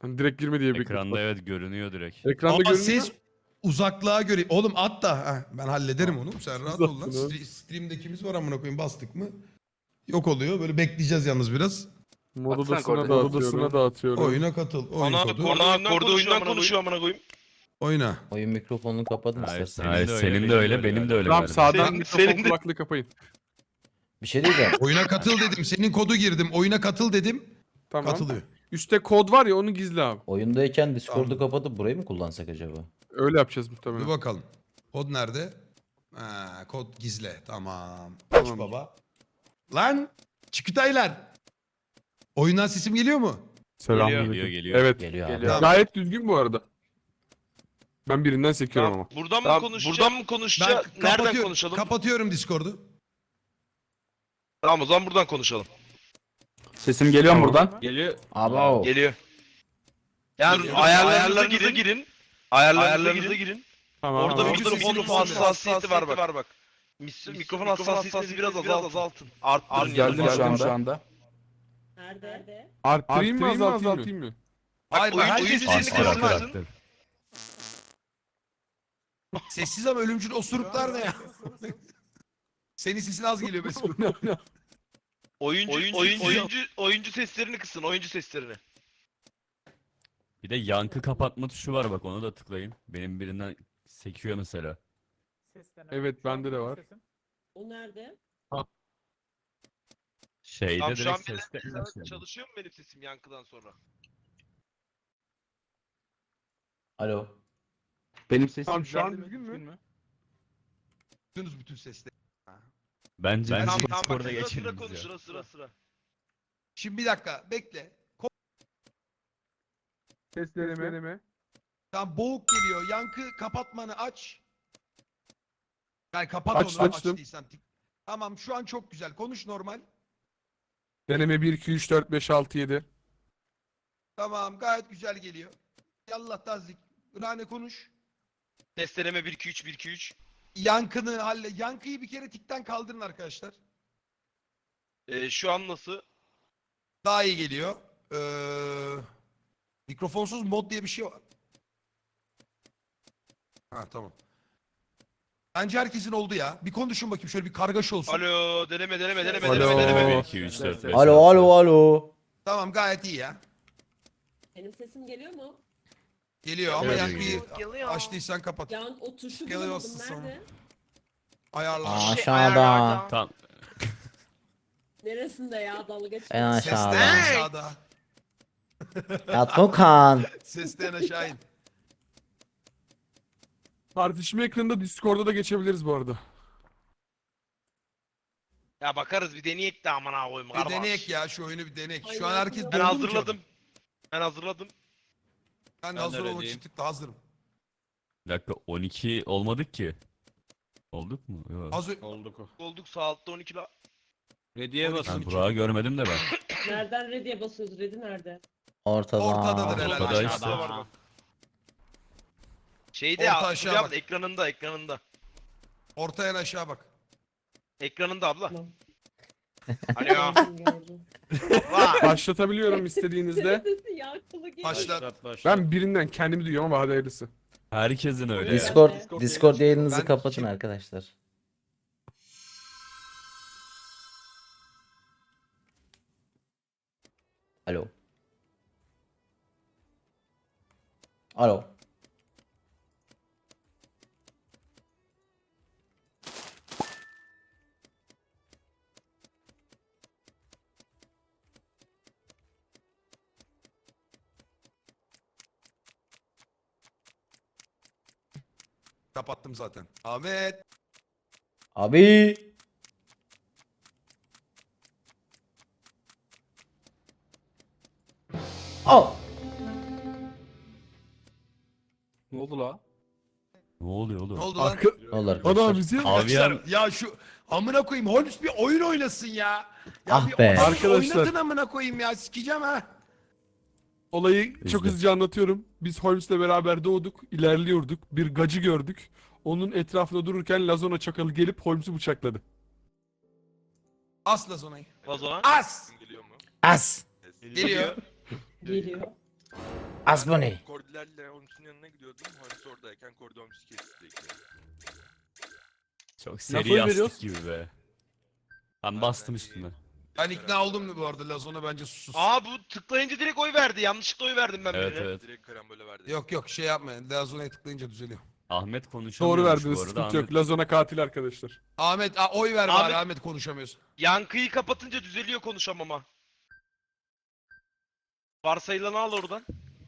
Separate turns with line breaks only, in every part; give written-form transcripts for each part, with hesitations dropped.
Hani direkt girme diye bekliyorum.
Ekranda evet görünüyor direkt.
Ekranda
Ama
görünüyor.
siz uzaklığa göre... Oğlum at da. Heh, ben hallederim onu. Sen rahat ol lan.
Uzattın ha.
Stream'dekimiz var amına koyayım, bastık mı? Yok oluyor. Böyle bekleyeceğiz yalnız biraz.
Mod
Atsana
odasına dağıtıyorum.
Oyuna katıl. Oyun
Ana
kodu.
korda oyundan konuşuyor amına koyayım.
Oyna.
Oyun mikrofonunu kapadın
Hayır,
istersen.
senin de öyle, benim de öyle.
Tamam
galiba.
sağdan
Senin-
mikrofon
senin de-
kulaklığı kapayın.
Bir şey diyeceğim.
Oyuna katıl dedim. Senin kodu girdim. Oyuna katıl dedim.
Tamam.
Katılıyor.
Üstte kod var ya onu gizle abi.
Oyundayken Discord'u
Tamam.
kapatıp burayı mı kullansak acaba?
Öyle yapacağız
Bir
muhtemelen.
bakalım. Kod nerede? Ha, kod gizle. Tamam.
Tamam.
Aç baba. Lan! Çikütaylar! Oyundan sesim geliyor mu?
Selamünaleyküm.
Geliyor.
Evet.
Geliyor abi.
Geliyor.
Gayet düzgün bu arada. Ben birinden sekiyorum ama.
Buradan mı
Tamam,
konuşacağız?
buradan
mı konuşacağız?
Ben
Nereden konuşalım?
kapatıyorum Discord'u.
Tamam o zaman buradan konuşalım.
Sesim geliyor mu
Tamam.
buradan?
Geliyor.
Abo.
Geliyor. Yani ayarlarınıza girin. Ayarlarınıza girin.
Tamam.
Orada
tamam.
mikrofon hassasiyeti var bak. Mikrofon hassasiyetini biraz azaltın. Arttırın
Geldim
yani.
şu anda.
Nerede?
Arttırayım mı azaltayım mı?
Hayır,
oyun
herkes
sesini
sesini
kısın.
kısmaz.
Aktör.
Sessiz ama ölümcül osuruklar ne ya? Senin sesin az geliyor mesela.
Oyuncu seslerini kısın. Oyuncu seslerini.
Bir de yankı kapatma tuşu var bak, onu da tıklayın. Benim birinden sekiyor mesela.
Evet bende de var.
O nerede?
Şeyde
Tamam şu an
direkt seste.
çalışıyor mu benim sesim yankıdan sonra?
Alo.
Benim sesim
Tamam, şu an
geldi mi?
düzgün mü?
Duydunuz bütün sesleri.
Bence
Ben-
biz
Tamam
Discord'a
bak
geçelim
konuş
biz ya.
sıra.
Şimdi bir dakika bekle.
Sesleneme.
Tam boğuk geliyor. Yankı kapatmanı aç. Yani kapat
Açtım,
onu
açtım.
açtıysan. Tamam şu an çok güzel. Konuş normal.
Deneme 1, 2, 3, 4, 5, 6, 7.
Tamam gayet güzel geliyor. Yallah tazik. Rane konuş.
Testleme 1 2 3 1 2 3.
Yankını halle. Yankıyı bir kere tikten kaldırın arkadaşlar.
Şu an nasıl?
Daha iyi geliyor. Mikrofonsuz mod diye bir şey var. Ha tamam. Bence herkesin oldu ya. Bir konuşun bakayım şöyle bir kargaşa olsun.
Alo deneme
Alo.
1, 2, 3, 4, 5,
Alo alo alo.
Tamam gayet iyi ya.
Benim sesim geliyor mu?
Geliyor ama
Evet,
yankıyı açtıysan kapat.
Yan o tuşu
Geliyor
bulamadım.
sonra.
Nerede?
Ayarlar.
Aşağıda.
Tam
Neresinde ya dalga geçiyor?
En
Sesten
aşağıda.
aşağıda.
Ya Tokan.
Sesten aşağı in.
Tartışma ekranında Discord'a da geçebiliriz bu arada.
Ya bakarız bir deneyek de amına koyayım
Bir
kardeş.
deneyek ya şu oyunu bir deneyek.
Ay,
Şu an
ya,
herkes
ben
doldu mu ki?
hazırladım. Ben hazırladım.
Ben de
Ben de
hazır olmak
ready'yim.
için tıkla hazırım.
bir dakika 12 olmadık ki. Olduk mu? Yok.
Hazır.
Olduk sağ altta 12 la.
Ready'ye
12.
Ben Burak'ı görmedim de ben.
Nereden ready'e basıyoruz? Ready nerede?
Ortada.
Ortadadır herhalde.
Ortada
aşağıda.
işte.
var bak. Şeyde
Orta
ya
aşağı
Fulya
bak.
abla ekranında.
Ortaya en aşağı bak.
Ekranında abla.
Tamam.
Alo.
Gördüm.
Vay.
Başlatabiliyorum istediğinizde.
Sesi yankılı geliyor.
Başla.
Ben birinden kendimi duyuyorum ama hadi hayırlısı.
Herkesin öyle. ya.
Discord yayınınızı
Ben-
kapatın arkadaşlar. Alo. Alo.
Kapattım zaten. Ahmet.
Abi. Al.
Ne oldu la?
Ne oluyor oğlum?
Ne oldu lan?
Arka...
Ne oldu arkadaşlar?
Adam bizi...
Avian
Ya şu amına koyayım Holmes bir oyun oynasın ya. Ya
Ah
bir
be.
oyun
Arkadaşlar.
Oynatın amına koyayım ya sikeceğim ha.
Olayı çok
İzle.
hızlıca anlatıyorum. Biz Holmes'le beraber doğduk, ilerliyorduk. Bir gacı gördük. Onun etrafında dururken Lazona çakalı gelip Holmes'u bıçakladı.
Asla zonayı.
O zaman.
As.
As.
Geliyor.
Geliyor.
Asbani.
Kordilerle Holmes'un yanına gidiyordum. Holmes oradayken Kordi Holmes'u kesti.
Çok
Nasıl
seri
oy
yastık
veriyoruz?
gibi be. Ben bastım üstüne.
Ben ikna oldum bu arada. Lazona bence susuz.
Aa bu tıklayınca direkt oy verdi. Yanlışlıkla oy verdim ben
Evet
birine.
evet.
Direkt karambole verdi.
Yok şey yapma. Lazona'ya tıklayınca düzeliyor.
Ahmet konuşamıyormuş
Doğru verdiniz,
bu arada.
sıkıntı
Ahmet...
yok. Lazona katil arkadaşlar.
Ahmet oy ver bari
Ahmet-
Ahmet konuşamıyorsun.
Yankıyı kapatınca düzeliyor konuşamama. Varsayılanı al oradan.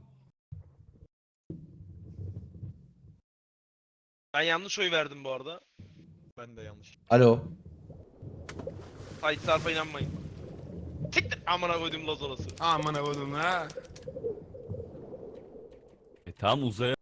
Ben yanlış oy verdim bu arada.
Ben de yanlış.
Alo.
Sait Sarp'a inanmayın. Siktir amına koydum Lazonası.
Aman avadım ha.
Tamam uzaya.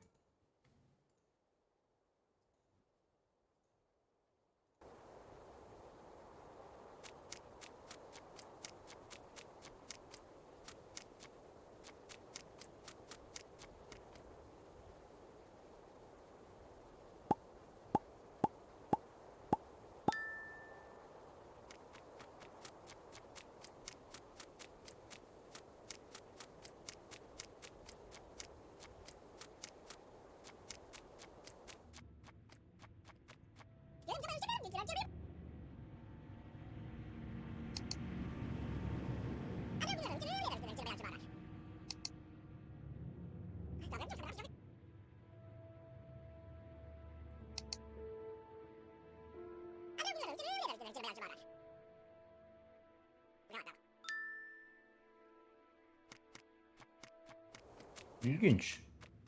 İlginç.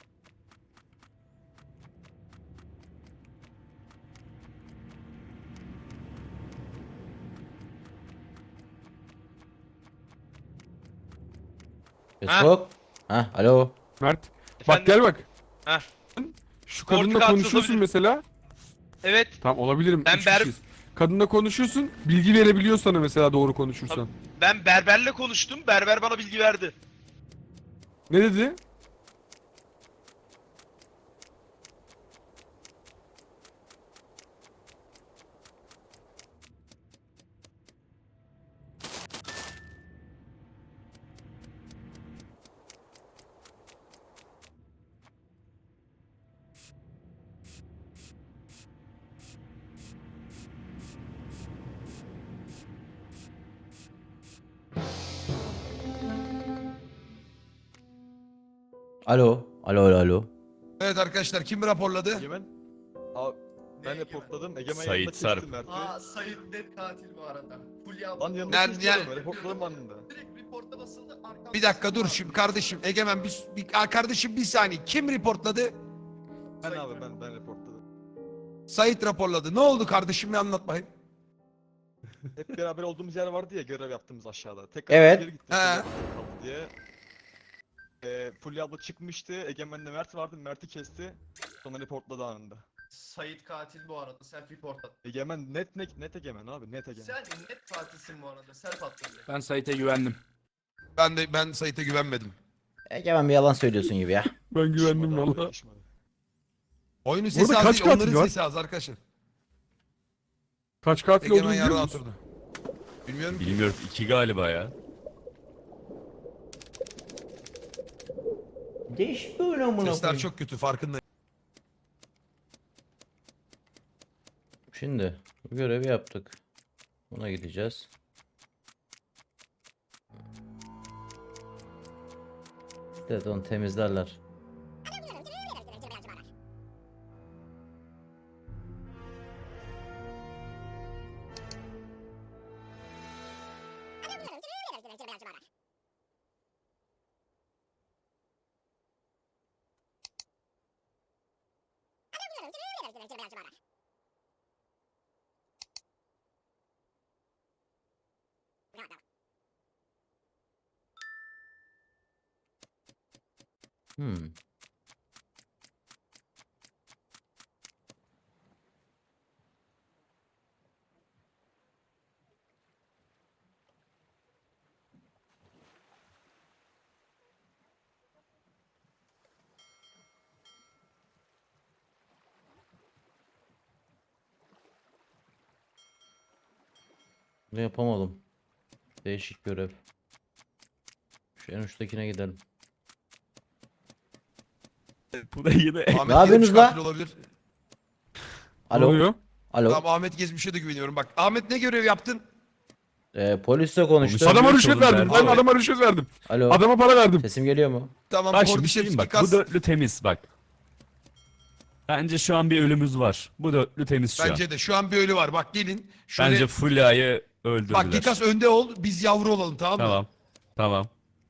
Facebook. Ha, alo.
Mert. Bak
Efendim?
gel bak.
Heh.
Şu
Portakal
kadınla konuşuyorsun
sızabilir.
mesela.
Evet.
Tamam olabilirim.
Ben
üç kişiyiz. Kadınla konuşuyorsun. Bilgi verebiliyor sana mesela doğru konuşursan.
Ben berberle konuştum. Berber bana bilgi verdi.
Ne dedi?
Alo. Alo.
Evet arkadaşlar kim raporladı?
Egemen. Abi ben reportladım. Egemen
Sait
yanında
Sarp.
kestim Mert'i.
Sayın net katil bu arada. Fulya
Lan yanında
Nerede-
kestim. Reportladım anında.
direkt reporta basıldı. Arkamda
Bir dakika dur şimdi kardeşim. Egemen kardeşim bir saniye. Kim reportladı?
Ben abi ben reportladım.
Sait raporladı. Ne oldu kardeşim bir anlat bakayım.
Hep beraber olduğumuz yer vardı ya görev yaptığımız aşağıda. Tekrar
Evet.
geri gittim.
He.
Fulya kaldı diye. Fulya abla çıkmıştı. Egemen'le Mert vardı. Mert'i kesti. Sonra reportladı anında.
Sait katil bu arada. Self report attı.
Egemen net Egemen abi net Egemen.
Sen net katilsin bu arada. Self attın direkt.
Ben Sait'e güvendim.
Ben Sait'e güvenmedim.
Egemen bir yalan söylüyorsun gibi ya.
Ben güvendim
Yakışmadı abi,
valla.
yakışmadı.
Oyunun sesi
Burada
az
kaç
değil,
katil
onların
var?
sesi az arkadaşlar.
Kaç katil
Egemen
olduğunu biliyor
yarrağı
musun?
oturdu. Bilmiyorum ki.
Bilmiyoruz 2 galiba ya.
Değişik bir oyun amına
Sesler
koyayım.
çok kötü farkındayım.
Şimdi bu görevi yaptık. Buna gideceğiz. Evet onu temizlerler. Hmm. Bunu yapamadım. Değişik görev. Şu en uçtakine gidelim.
Bu da yine
Ahmet
Ne
gezmiş
yapıyorsunuz la?
katil olabilir.
Ne
Alo.
oluyor?
Alo.
Tamam Ahmet Gezmiş'e de güveniyorum. Bak Ahmet ne görev yaptın?
Polisle konuştum.
Konuşalım.
Adama
Oğlum,
rüşvet verdim. Ben
verdi.
adama rüşvet verdim.
Alo.
Adama para verdim.
Sesim geliyor mu?
Tamam
Bak şimdi
Kordişevski
bak
kas.
bu dörtlü temiz bak. Bence şu an bir ölümümüz var. Bu dörtlü temiz şu an.
Bence de şu an bir ölü var. Bak gelin. Şöyle...
Bence Fulya'yı öldürdüler.
Bak Gikas önde ol. Biz yavru olalım tamam mı?
Tamam. Tamam.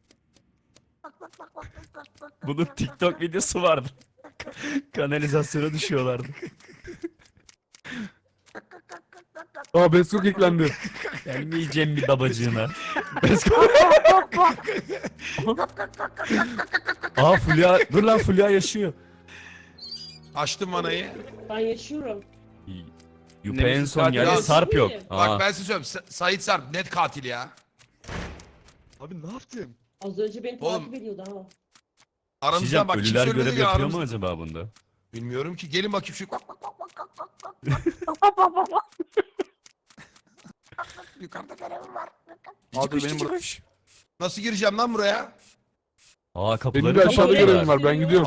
Bunun TikTok videosu vardı. Kanalizasyona düşüyorlardı.
Aa Beskok eklendi.
Gelmeyeceğim bir babacığına. Aa Fulya. Dur lan Fulya yaşıyor.
Açtım vanayı.
Ben yaşıyorum.
Yupe en son
katil
geldi.
az.
Sarp yok.
Bak,
Bak
Aa.
ben size söyleyeyim. Sait Sarp net katil ya.
Abi ne yaptın?
Az önce beni
Oğlum.
takip ediyordu ha.
Aramızdan
Diyeceğim,
bak kimse
ölüler
ölmedi
görev
ya
yapıyor
aramızda.
mu acaba bunda?
Bilmiyorum ki. Gelin bakayım şu. Yukarıda görevim var.
Abi benim burada.
Nasıl gireceğim lan buraya?
Aa kapıları
Benim de aşağıda
kapatıyorlar.
görevim var. Ben gidiyorum.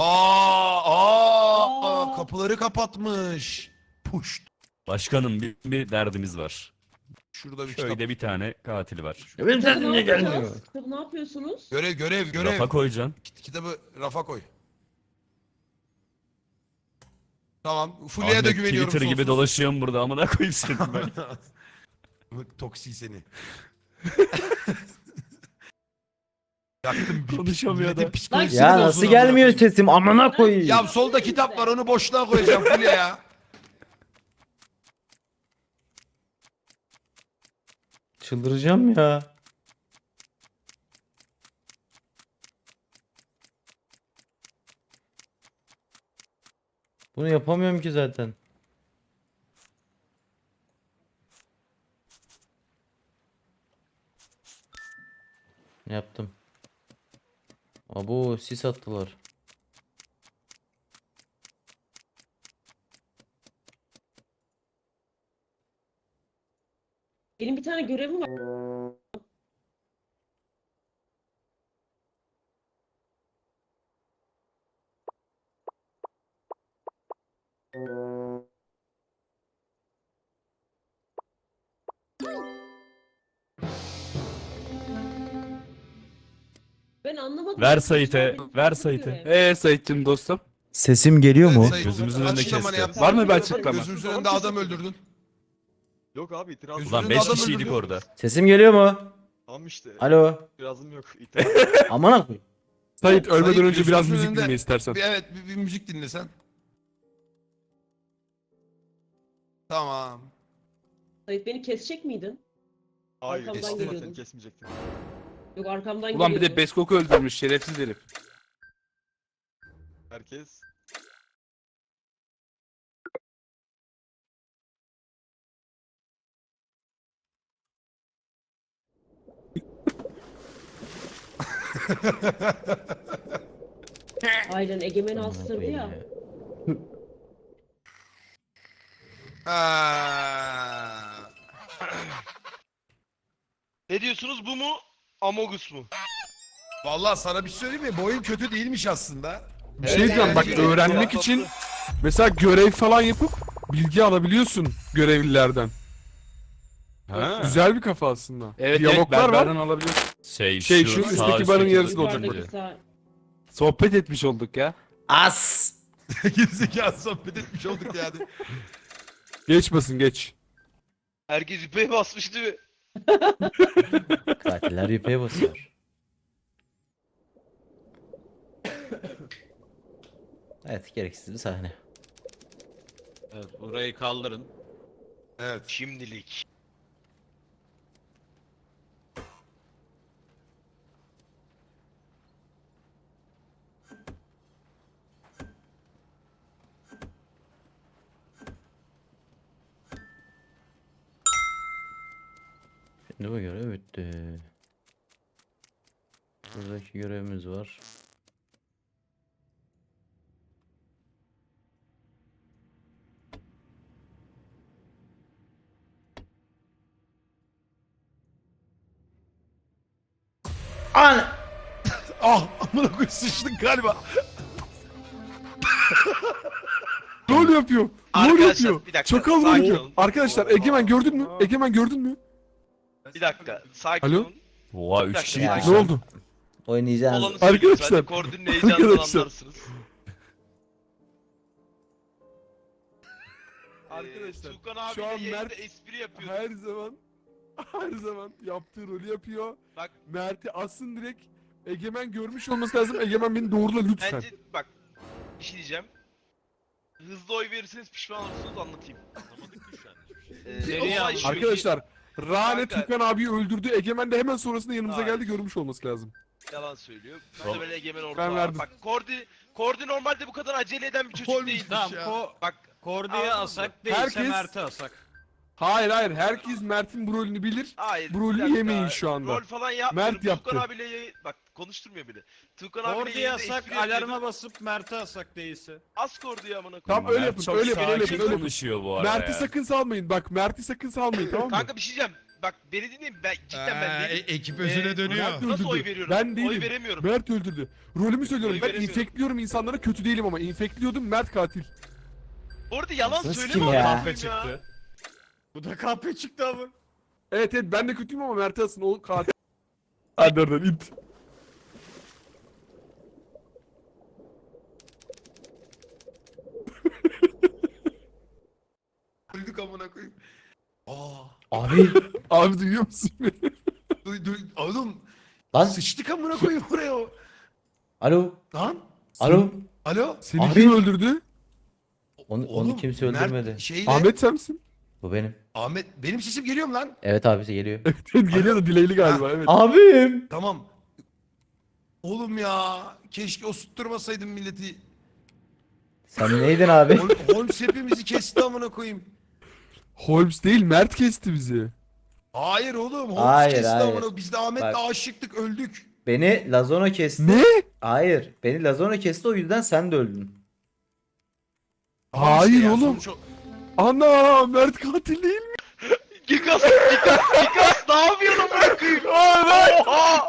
Aa.
Kapıları kapatmış. Puş.
Başkanım bir derdimiz var.
Şurada bir kitap.
Şöyle bir tane katil var.
Benim
Kitabı
sesim
ne
niye gelmiyor?
yapacağız? Kitabı ne yapıyorsunuz?
Görev.
Rafa koyacaksın.
Kitabı rafa koy. Tamam. Fulya'ya da
Ahmet
güveniyorum.
Twitter gibi
sonsuz.
dolaşıyorum burada amına koyayım seni ben.
Toksi seni. Yaktım bir
Konuşamıyor
milletin
da.
psikolojisini
Ya
bozdun
nasıl
amına
gelmiyor
koyayım.
sesim? Amına koyayım.
Ya solda kitap var onu boşluğa koyacağım Fulya ya.
Çıldıracağım ya. Bunu yapamıyorum ki zaten. Yaptım. Abo sis attılar.
Benim bir tane görevim var. Ben anlamadım.
Ver
Ben
Sait'e,
konuşamadım.
ver
Nasıl
Sait'e.
görev?
Sayit'cim dostum.
Sesim geliyor mu?
Sayın-
Gözümüzün önünde
Açıklamanı
kesti.
yap.
Var mı bir açıklama?
Gözümüzün önünde adam öldürdün.
Yok abi itiraz
Gözünün
Ulan
önünde
5
adam
kişiydik
öldürdün.
orada.
Sesim geliyor mu?
Tamam işte.
Alo.
İtirazım yok. İtiraz.
Amına koyayım.
Sait ölmeden
Sait,
önce biraz
gözümüzün
müzik
önünde-
dinle istersen.
Bir müzik dinle sen. Tamam.
Sait beni kesecek miydin?
Hayır.
Arkamdan
Kestim
geliyordun.
seni kesmeyecektim.
Yok arkamdan
Ulan bir de
geliyordu.
Beskok'u öldürmüş şerefsiz herif.
Herkes.
Aynen Egemen
Amına
astırdı
koyayım
ya.
Ha.
Ne diyorsunuz, bu mu? Amogus mu?
Vallahi sana bir şey söyleyeyim mi? Bu oyun kötü değilmiş aslında.
Bir şey diyeceğim bak
Evet.
öğrenmek için mesela görev falan yapıp bilgi alabiliyorsun görevlilerden.
Ha.
Güzel bir kafa aslında.
Evet,
Diyaloglar var.
berberden alabiliyorsun.
Şey, şu
sağ
üstteki barın yarısı
üstteki-
da olacak
Yukarıdaki
böyle.
sağ-
Sohbet etmiş olduk ya.
As.
Gerizekalı sohbet etmiş olduk yani.
Geç basın geç.
Herkes yüpeye basmış değil mi?
Katiller yüpeye basıyor. Evet gereksiz bir sahne.
Evet, burayı kaldırın.
Evet.
Şimdilik.
Şimdi bu görev bitti. Buradaki görevimiz var. An
Ah amına koyayım sıçtık galiba.
Rol yapıyor. Rol
Arkadaşlar,
yapıyor.
bir dakika,
Çakal rol
sakin
yapıyor.
olun.
Arkadaşlar Egemen gördün mü? Egemen gördün mü?
Bir dakika. Sakin
Alo?
olun.
Oha
Bir
3
dakika,
kişi
ya.
gitmiş.
Ne
lan.
oldu?
Oynayacağız.
Olanı söylüyoruz.
Arkadaşlar,
Hadi koordinin heyecanından
arkadaşlar.
anlarsınız.
Arkadaşlar,
Tuğkan
şu an
abiyle yayında
Mert
espri yapıyor.
her zaman yaptığı rolü yapıyor.
Bak.
Mert'i assın direkt. Egemen görmüş olması lazım. Egemen beni doğrula lütfen.
Bence bak bir şey diyeceğim. Hızlı oy verirseniz pişman olursunuz, anlatayım. Anlamadık ki şu an hiçbir şey.
Nereye
Olay şu ki-
Arkadaşlar, Rane
Kanka.
Tukan abiyi öldürdü. Egemen de hemen sonrasında yanımıza
Hayır.
geldi, görmüş olması lazım.
Yalan söylüyor.
Tamam.
Ben böyle Egemen orada.
Ben verdim.
Bak Kordi normalde bu kadar acele eden bir çocuk değil.
Tamam
Bak
Kordi'ye
Anladın
asak
mı?
değilse
Herkes-
Mert'e asak.
Hayır, herkes Mert'in bu rolünü bilir.
hayır.
Bu rolü
bir dakika.
yemeyin şu anda.
Rol falan yapmıyorum.
Mert yaptı.
Tuğkan abiyle bak konuşturmuyor bile. Tuğkan abiyle
Kordi'ye
yayında
asak,
espri yapıyordum.
alarma basıp Mert'e asak değilse.
Az Kordi'yi amına koyayım.
Tamam öyle
Mert
yapın,
çok
öyle yapın, öyle
sakin
yapın, öyle yapın.
konuşuyor bu arada
Mert'i
ya.
sakın salmayın. Bak Mert'i sakın salmayın, tamam mı?
Kanka bir şey diyeceğim. Bak beni dinleyin, ben cidden ben değilim.
Ekip özüne dönüyor.
Mert
Nasıl oy
öldürdü.
veriyorum?
Ben değilim.
Oy veremiyorum.
Mert öldürdü. Rolümü söylüyorum.
Oy
Ben
veremiyorum.
infekliyorum insanlara, kötü değilim ama infekliyordum, Mert katil.
Bu arada yalan
Nasıl
söyleme
kim
amına
ya?
koyayım
Kahpe çıktı. Bu da kahpe çıktı ama.
Evet ben de kötüyüm ama Mert'i asın, o katil. Hadi oradan it.
Öldük amına koyayım. Aa.
Abi.
Abi duyuyor musun beni?
Oğlum
Lan.
sıçtık amına koyayım buraya.
Alo.
Lan.
Alo.
Alo.
Seni
Abi.
kim öldürdü?
Onu
Oğlum,
kimse
Mert
öldürmedi.
Şeyle,
Ahmet sen misin?
Bu benim.
Ahmet benim sesim geliyor mu lan?
Evet abisi geliyor.
Geliyor da dileyli galiba, evet.
Abim.
Tamam. Oğlum ya keşke osurtturmasaydım milleti.
Sen neydin abi?
Holmes hepimizi kesti amına koyayım.
Holmes değil, Mert kesti bizi.
Hayır oğlum Holmes
Hayır,
kesti
hayır.
amına. Biz de Ahmet'le
Bak.
aşıktık öldük.
Beni Lazona kesti.
Ne?
Hayır. Beni Lazona kesti, o yüzden sen de öldün.
Tamam
Hayır
işte ya,
oğlum.
sonuç o-
Ana, Mert katil değil mi?
Gigas ne yapıyorsun amına koyayım? Oha!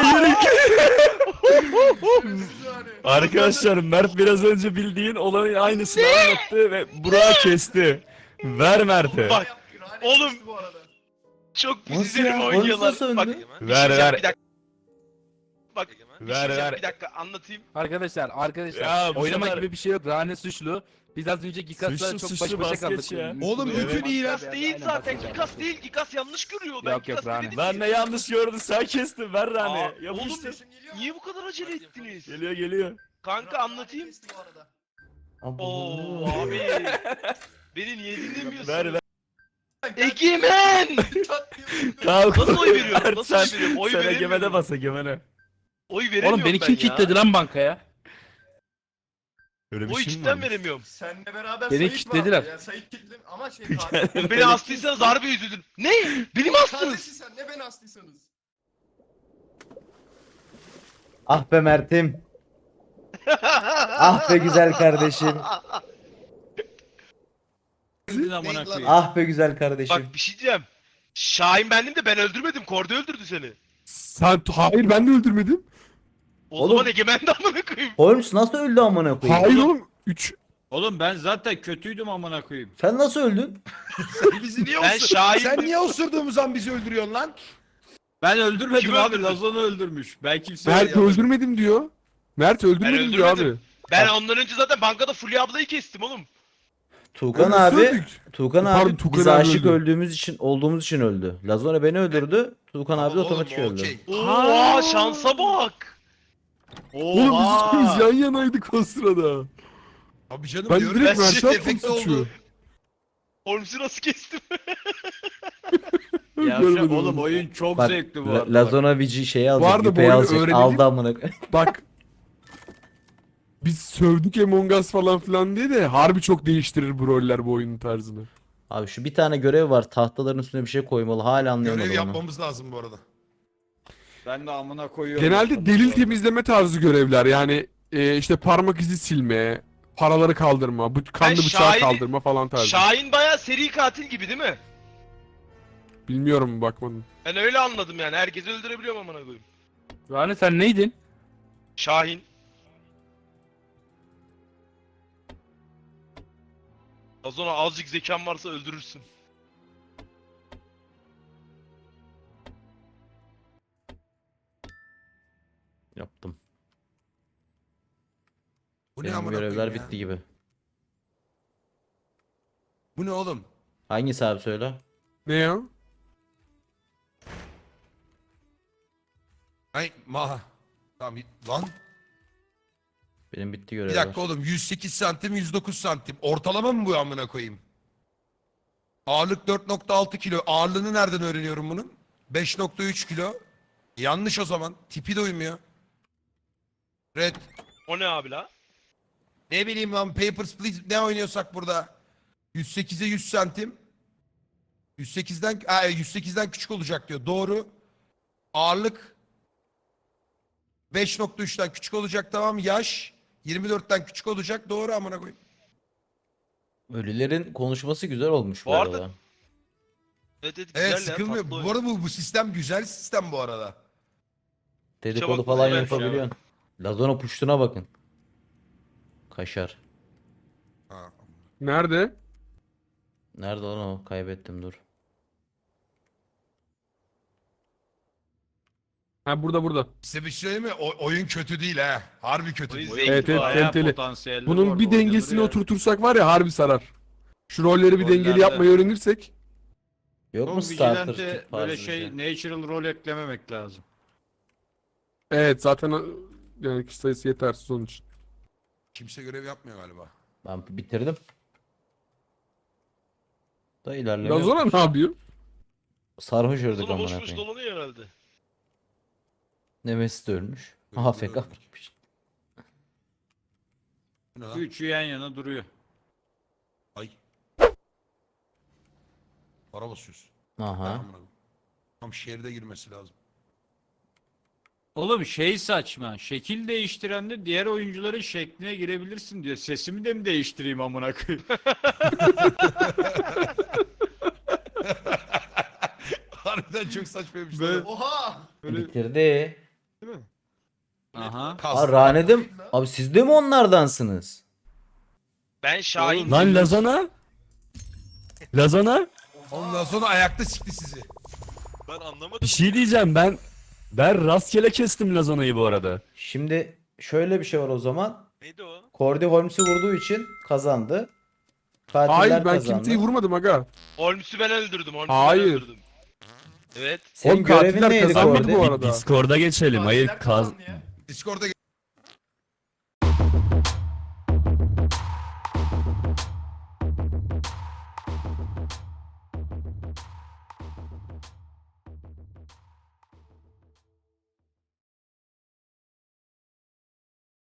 Arkadaşlar Mert biraz önce bildiğin olanın aynısını anlattı ve Burak'ı kesti. Ver Mert'e.
Bak, oğlum.
Bu arada.
Çok pis
Nasıl
izlenim
ya?
oynuyorlar.
Holmes nasıl
Bak,
öldü?
bir
Ver,
şey
ver.
Bir dakika. Bak, bir
Ver,
şey
ver.
bir dakika anlatayım.
Arkadaşlar
Ya bu
oynamak
sefer-
gibi bir şey yok. Rane suçlu. Biz az önce Gikas'la
Suçlu,
çok
suçlu,
baş başa
vazgeç
kaldık.
ya.
Oğlum bütün iyiler.
Gigas değil zaten. Gigas değil. Gigas yanlış görüyor. Ben
Yok, yok,
Gigas
Rane.
dedim
Ben
ki.
ne yanlış gördüm, sen kestin, ver Rane.
Aa,
Yapıştır.
oğlum, niye bu kadar acele ettiniz?
Geliyor.
Kanka anlatayım.
Kesti bu arada.
Oo abi. Beni niye dinlemiyorsun?
Ver.
Egemen!
Kalk.
Nasıl oy veriyorum?
Mert,
Nasıl oy
sen-
veriyorum? Oy
Sen
veremiyorum.
Egemen'e bas, Egemen'e.
Oy veremiyorum
Oğlum beni
ben
kim
ya.
kilitledi lan bankaya?
Öyle bir
Oy
şey mi
cidden
varmış?
veremiyorum.
Seninle beraber
Beni
Sait
kilitlediler.
vardı. Yani Sait kilitli ama şey katil.
Beni astıysanız harbi üzüldüm. Ne? Beni mi astınız?
Kardeşi sen ne beni astıysanız.
Ah be Mert'im. Ah be güzel kardeşim.
Öldün amına koyayım.
Ah be güzel kardeşim.
Bak bir şey diyeceğim. Şahin bendim de ben öldürmedim. Kordi öldürdü seni.
Hayır, ben de öldürmedim.
O
Oğlum.
zaman Egemen de amına koyayım.
Holmes nasıl öldü amına koyayım?
Hayır oğlum. 3.
Oğlum ben zaten kötüydüm amına koyayım.
Sen nasıl öldün?
Bizi niye
Ben Şahin...
Sen niye osurduğumuz an bizi öldürüyorsun lan?
Ben öldürmedim
Kim
abi.
öldürdü?
Lazon'u öldürmüş. Ben kimse
Mert öldürmedim diyor. Mert öldürmedim diyor abi.
öldürmedim. Ben ondan önce zaten bankada Fulya ablayı kestim oğlum.
Tuğkan
Onu
abi,
söyledik.
Tuğkan
Pardon,
abi
Tuğkan
biz
abi
aşık
öldü.
olduğumuz için öldü. Lazona beni öldürdü. Tuğkan abi de
Oğlum,
otomatik öldü.
okey.
Oha şansa bak.
Oğlum biz
Oha.
ikimiz yan yanaydık o sırada.
Abi canım
Ben
diyorum
direkt
ya,
Mert'e
shift
attım
efekti
suçu.
oldu.
Holmes'u nasıl kestim?
Ya
Görmedim
oğlum
onu.
oyun çok
Bak
zevkli bu
La-
arada.
Lazona Vici şeyi alacak,
arada bu
yüpeyi
oyunu
alacak.
öğrenelim.
Aldı amına koyayım.
Bak. Biz sövdük Among Us falan filan diye de harbi çok değiştirir bu roller, bu oyunun tarzını.
Abi şu bir tane görev var. Tahtaların üstüne bir şey koymalı. Hala anlayamadım
Görev
onu.
yapmamız lazım bu arada.
Ben de amına koyuyorum.
Genelde delil temizleme tarzı görevler, yani işte parmak izi silme, paraları kaldırma, kanlı
Ben
bıçağı
Şahin'i-
kaldırma falan tarzı.
Şahin bayağı seri katil gibi değil mi?
Bilmiyorum, bakmadım.
Ben öyle anladım yani. Herkesi öldürebiliyorum amına koyayım.
Rane sen neydin?
Şahin. Lazona azıcık zekan varsa öldürürsün.
Yaptım.
Bu ne
Benim
amına
görevler
koyayım ya?
bitti gibi.
Bu ne oğlum?
Hangisi abi söyle?
Ne ya?
Ay Tamam lan.
Benim bitti
Bir
görevler.
dakika oğlum 108 santim 109 santim. Ortalama mı bu amına koyayım? Ağırlık 4.6 kilo. Ağırlığını nereden öğreniyorum bunun? 5.3 kilo. Yanlış o zaman. Tipi de uymuyor. Red.
O ne abi la?
Ne bileyim lan Papers, Please ne oynuyorsak burada. 108'e 100 santim. 108'den küçük olacak diyor. Doğru. Ağırlık 5.3'ten küçük olacak, tamam. Yaş 24'ten küçük olacak. Doğru amına koyayım.
Ölülerin konuşması güzel olmuş bu
Bu arada-
arada.
Evet evet
Evet,
güzel ya,
sıkılmıyor.
tatlı
Bu arada bu sistem güzel sistem bu arada.
Dedikodu
Çabuk
falan
güzelmiş ya.
yapabiliyorsun. Lazona puştuna bakın. Kaşar.
Ha.
Nerede?
Nerede lan o? Kaybettim dur.
Ha burada.
Size bir şey söyleyeyim mi? Oyun kötü değil ha. Harbi kötü
Oyun
değil.
zevkli
Evet, evet,
bayağı.
Bayağı
kaliteli.
potansiyelli
Bunun
bu
bir
arada,
dengesini
oynanır yani.
oturtursak var ya harbi sarar. Şu rolleri bir dengeli
Rollerde-
yapmayı öğrenirsek.
Yok
şey
mu
Çok
starter
vigilante
tip
böyle
tarzı bir
şey natural rol eklememek lazım.
Evet zaten yani kişi sayısı yetersiz onun için.
Kimse görev yapmıyor galiba.
Ben bitirdim. Da ilerleme yok.
Lazona ne yapıyor?
Sarhoş ördük
Lazona
amına
boş boş
koyayım.
dolanıyor herhalde.
Nemesis de ölmüş.
Öldü,
AFK
öldü.
bırakmış.
Bu ne lan?
Üçü yan yana duruyor.
Ay. Para basıyorsun.
Aha.
Amına koyayım. Tam şehirde girmesi lazım.
Oğlum şey saçma. Şekil değiştirende diğer oyuncuların şekline girebilirsin diyor. Sesimi de mi değiştireyim amına koyayım?
Harbiden çok saçmaymış.
Ve-
lan.
Oha!
Bitirdi.
Aha.
Aa Rane'dim. Abi siz de mi onlardansınız?
Ben Şahin.
Lan Lazona? Lazona?
Ondan sonra ayakta sikti sizi.
Ben anlamadım.
Bir şey diyeceğim ben rastgele kestim Lazona'yı bu arada.
Şimdi şöyle bir şey var o zaman.
Neydi o?
Cordy Holmes'u vurduğu için kazandı. Katiller
Hayır ben
kazandı.
kimseyi vurmadım aga.
Holmes'u ben öldürdüm. Holmes'u
Hayır.
ben öldürdüm. Evet.
Senin
Oğlum
görevin
katiller
neydi
kazanmadı
Cordy?
bu arada.
Discord'a geçelim. Hayır
Katiller
kaz...
kazandı ya.
Discord'a